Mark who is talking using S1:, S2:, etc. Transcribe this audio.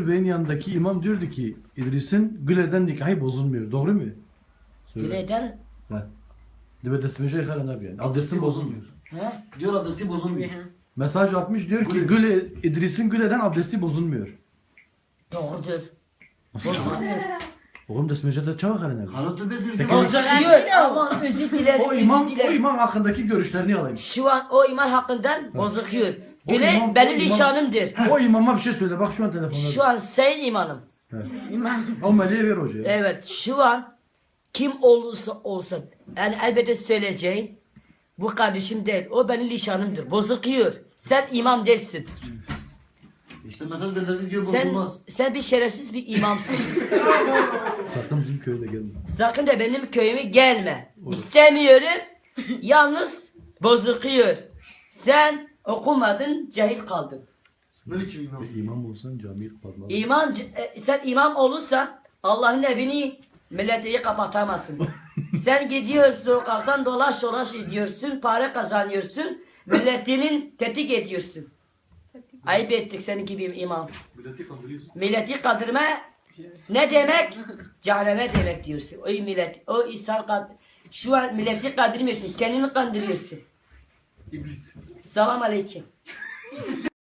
S1: Müdür Bey'in yanındaki imam diyordu ki İdris'in Güle'den nikahı bozulmuyor. Doğru mu? Söyle.
S2: Güle'den
S1: Ha. Dibe desmece yıkaran abi yani. Abdestin bozulmuyor.
S2: he?
S3: Diyor abdesti bozulmuyor.
S1: Mesaj atmış diyor ki Güle, İdris'in Güle'den abdesti bozulmuyor.
S2: Doğrudur. Bozulmuyor.
S1: Oğlum desmece de çabuk herhalde.
S3: Kanıtı biz bir
S1: Peki,
S2: Bozuluyor ama özür dilerim.
S1: O imam,
S2: özür dilerim.
S1: o imam hakkındaki görüşlerini alayım.
S2: Şu an o iman hakkından bozuluyor.
S1: O
S2: Güle
S1: imam-
S2: benim
S1: o imam-
S2: nişanımdır.
S1: O imama bir şey söyle. Bak şu an telefonda.
S2: Şu an sen imanım.
S1: Evet.
S2: İman.
S1: O meleğe ver hocaya.
S2: Evet şu an kim olursa olsa yani elbette söyleyeceğim bu kardeşim değil o benim nişanımdır bozuluyor sen imam değilsin
S3: İşte mesaj gönderdik diyor bozulmaz.
S2: sen bir şerefsiz bir imamsın
S1: Sakın bizim köyde gelme.
S2: sakın da benim köyüme gelme istemiyorum yalnız bozuluyor sen okumadın cahil kaldın
S3: Ne biçim imam?
S1: İmam olsan camiyi kapatmaz.
S2: sen imam olursan Allah'ın evini milleti kapatamazsın. Sen gidiyorsun sokaktan dolaş dolaş ediyorsun, para kazanıyorsun, milletinin tetik ediyorsun. Ayıp ettik senin gibi imam.
S3: Milleti kandırıyorsun.
S2: Milleti kandırma ne demek? Cehenneme demek diyorsun. O millet, o insan şu an milleti kandırmıyorsun, kendini kandırıyorsun.
S3: İblis.
S2: Selam aleyküm.